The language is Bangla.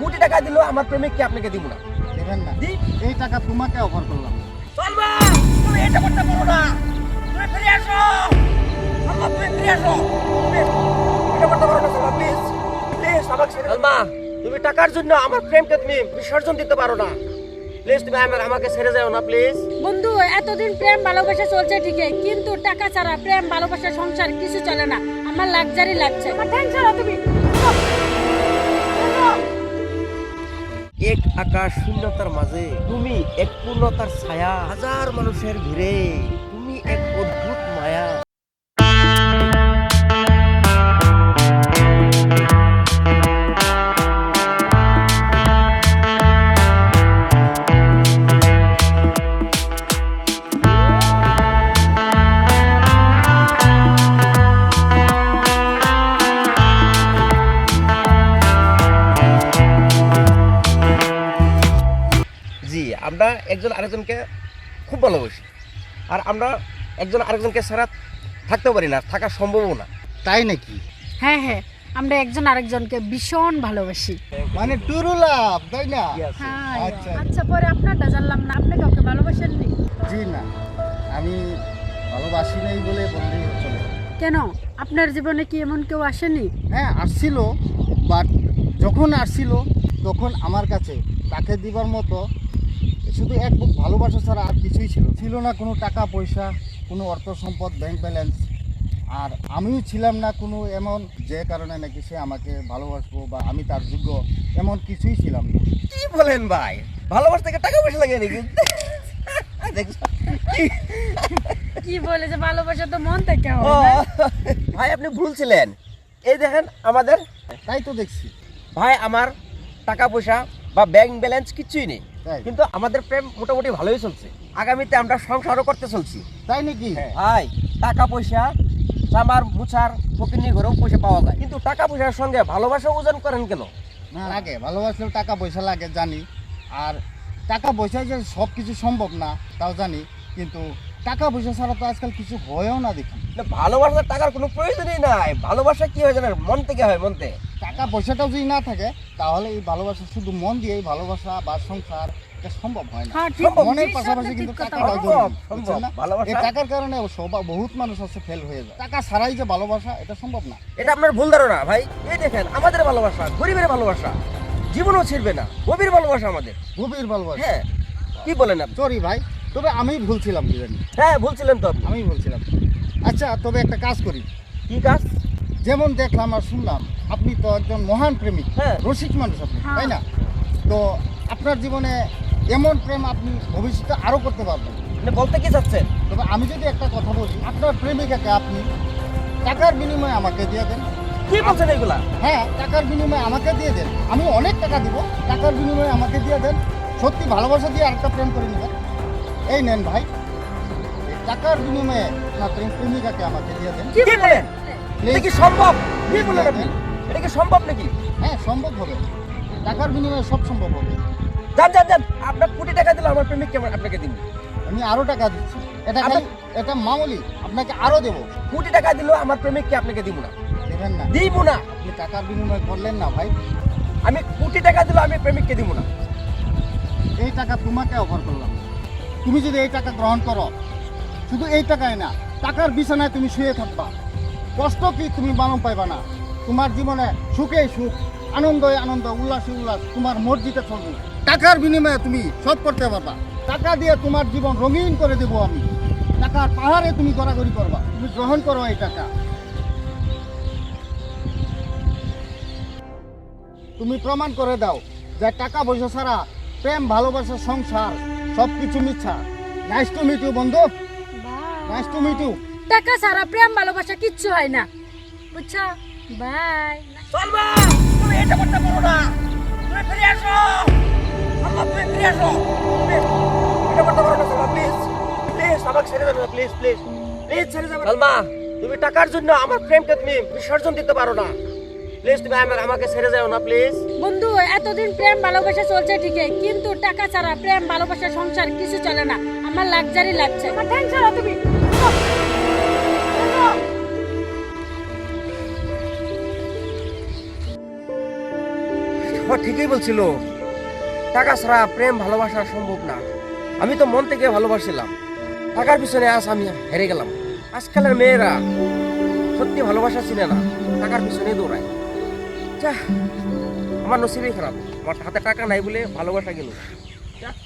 কোটি টাকা দিলেও আমার প্রেমিককে আপনাকে দিব না। দেবেন না? দি এই টাকা তোমাকে অফার করলাম। সালমা, তুমি এটা করতে পারো না। তুমি ফিরে আসো। সালমা, তুমি ফিরে আসো। Please, এটা করতে পারো না সালমা, প্লিজ প্লিজ আমাকে ছেড়ে দাও। সালমা, তুমি টাকার জন্য আমার প্রেমকে তুমি বিসর্জন দিতে পারো না। প্লিজ তুমি আমাকে ছেড়ে যাও না প্লিজ। বন্ধু, এতদিন প্রেম ভালোবাসা চলছে ঠিকই, কিন্তু টাকা ছাড়া প্রেম ভালোবাসা সংসার কিছু চলে না। আমার লাক্সারি লাগছে। আমার টেনশন তুমি এক আকাশ শূন্যতার মাঝে তুমি এক পূর্ণতার ছায়া, হাজার মানুষের ভিড়ে তুমি এক অদ্ভুত মায়া। জি, আমরা একজন আরেকজনকে খুব ভালোবাসি, আর আমরা একজন আরেকজনকে ছাড়া থাকতে পারি না, থাকা সম্ভবও না। তাই নাকি? হ্যাঁ হ্যাঁ, আমরা একজন আরেকজনকে ভীষণ ভালোবাসি। মানে টুরু লাভ, তাই না? হ্যাঁ। আচ্ছা। আচ্ছা, পরে আপনারটা জানলাম না, আপনি কাউকে ভালোবাসেননি? জি না, আমি ভালোবাসি নাই বলে বললেই চলে। কেন, আপনার জীবনে কি এমন কেউ আসেনি? হ্যাঁ আসছিল, বাট যখন আসছিল তখন আমার কাছে তাকে দিবার মতো শুধু এক বুক ভালোবাসা ছাড়া আর কিছুই ছিল না। কোনো টাকা পয়সা, কোনো অর্থ সম্পদ, ব্যাংক ব্যালেন্স, আর আমিও ছিলাম না কোনো এমন যে কারণে নাকি সে আমাকে ভালোবাসবো বা আমি তার যোগ্য, এমন কিছুই ছিলাম না। কি বলেন ভাই, ভালোবাসা থেকে টাকা পয়সা লাগে নাকি? দেখছো? কি বলে যে ভালোবাসা তো মন থেকে ও, হয় না? ভাই আপনি ভুলছিলেন। এই দেখেন আমাদের তাই তো দেখছি। ভাই, আমার টাকা পয়সা বা ব্যাংক ব্যালেন্স কিছুই নেই, তাই কিন্তু আমাদের প্রেম মোটামুটি ভালোই চলছে। আগামীতে আমরা সংসারও করতে চলছি। তাই নাকি? ভাই, টাকা পয়সা জামার মুছার ফকিরনি ঘরেও পয়সা পাওয়া যায়, কিন্তু টাকা পয়সার সঙ্গে ভালোবাসা ওজন করেন কেন? না লাগে, ভালোবাসলেও টাকা পয়সা লাগে জানি, আর টাকা পয়সায় যে সব কিছু সম্ভব না তাও জানি, কিন্তু টাকা পয়সা ছাড়া তো আজকাল কিছু হয়েও না দেখি। না, ভালোবাসার টাকার কোনো প্রয়োজনই নাই। ভালোবাসা কি হয় জানেন? মন থেকে হয়, মন থেকে। টাকা পয়সাটাও যদি না থাকে তাহলে এই ভালোবাসা শুধু মন দিয়ে এই ভালোবাসা বা সংসার এটা সম্ভব হয় না। হ্যাঁ, ঠিক। মনের জি, পাশাপাশি ঠিক কিন্তু কথা টাকাটাও বলেছেন। জরুরি, সম্ভব, বুঝছেন না? ভালোবাসা- এই টাকার কারণে বহুত মানুষ আছে ফেল হয়ে যায়। টাকা ছাড়াই যে ভালোবাসা এটা সম্ভব না। এটা আপনার ভুল ধারণা ভাই। এই দেখেন আমাদের ভালোবাসা, গরিবের ভালোবাসা জীবনও ছিড়বে না, গভীর ভালোবাসা আমাদের। গভীর ভালোবাসা। হ্যাঁ, কি বলেন আপনি? সরি ভাই, তবে আমি ভুলছিলাম, কি জানি হ্যাঁ, ভুলছিলেন তো আপনি। আমি ভুলছিলাম। আচ্ছা, তবে একটা কাজ করি। কি কাজ? যেমন দেখলাম আর শুনলাম আপনি তো একজন মহান প্রেমিক, হ্যাঁ। রসিক মানুষ আপনি, হ্যাঁ। তাই না? তো আপনার জীবনে এমন প্রেম আপনি ভবিষ্যতে আরো করতে পারবেন। মানে বলতে কি চাচ্ছেন? তবে আমি যদি একটা কথা বলি, আপনার প্রেমিকাকে আপনি টাকার বিনিময়ে আমাকে দিয়ে দেন। কি বলছেন এগুলা? হ্যাঁ, টাকার বিনিময়ে আমাকে দিয়ে দেন, আমি অনেক টাকা দিব, টাকার বিনিময়ে আমাকে দিয়ে দেন। সত্যি ভালোবাসা দিয়ে আরেকটা প্রেম করে নেবেন। এই নেন ভাই, এই টাকার বিনিময়ে আপনার প্রেমিকাকে আমাকে দিয়ে দেন। কি বলেন? এটা কি সম্ভব? কি বলেন আপনি? এটা কি সম্ভব নাকি? হ্যাঁ, সম্ভব হবে। টাকার বিনিময়ে সব সম্ভব হবে। যান যান যান, আপনার কোটি টাকা দিলে আমার প্রেমিককে আপনাকে দিন। আমি আরো টাকা দিচ্ছি, এটা খালি এটা মামুলি, আপনাকে আরো দেবো। কোটি টাকা দিলেও আমার প্রেমিককে আপনাকে দিব না। দেবেন না? দিব না। আপনি টাকার বিনিময় করলেন না ভাই। আমি কোটি টাকা দিলেও আমি প্রেমিককে দিব না। এই টাকা তোমাকে অফার করলাম। তুমি যদি এই টাকা গ্রহণ করো, শুধু এই টাকায় না, টাকার বিছানায় তুমি শুয়ে থাকবা, কষ্ট কি তুমি মালুম পাইবা না। তোমার জীবনে সুখে সুখ, আনন্দে আনন্দ, উল্লাসে উল্লাস, তোমার মর্জিতে চলবে। টাকার বিনিময়ে তুমি সব করতে পারবা। টাকা দিয়ে তোমার জীবন রঙিন করে দেবো আমি। টাকার পাহাড়ে তুমি গড়াগড়ি করবা। তুমি গ্রহণ করো এই টাকা। তুমি প্রমাণ করে দাও যে টাকা পয়সা ছাড়া প্রেম, ভালোবাসা, সংসার সব কিছু মিথ্যা। নাইস টু মিট ইউ বন্ধু, নাইস টু মিট ইউ। টাকা ছাড়া প্রেম ভালোবাসা কিচ্ছু হয় না, বুঝছো? বাই। সালমা, তুমি এটা করতে পারো না। তুমি ফিরে আসো। সালমা, তুমি ফিরে আসো। Please, এটা করতে পারো না সালমা, প্লিজ প্লিজ আমাকে ছেড়ে যাবে না, প্লিজ প্লিজ প্লিজ ছেড়ে যাবে না। সালমা, তুমি টাকার জন্য আমার প্রেমকে তুমি বিসর্জন দিতে পারো না। প্লিজ তুমি আমাকে ছেড়ে যাও না প্লিজ। বন্ধু, এতদিন প্রেম ভালোবাসা চলছে ঠিকই, কিন্তু টাকা ছাড়া প্রেম ভালোবাসা সংসার কিছু চলে না। আমার লাক্সারি লাগছে। আমার টেনশন তুমি আব্বা ঠিকই বলছিল, টাকা ছাড়া প্রেম ভালোবাসা সম্ভব না। আমি তো মন থেকে ভালোবাসছিলাম, টাকার পিছনে আজ আমি হেরে গেলাম। আজকালের মেয়েরা সত্যি ভালোবাসা চিনে না, টাকার পিছনে দৌড়ায়। যা, আমার নসিবই খারাপ, আমার হাতে টাকা নাই বলে ভালোবাসা গেল।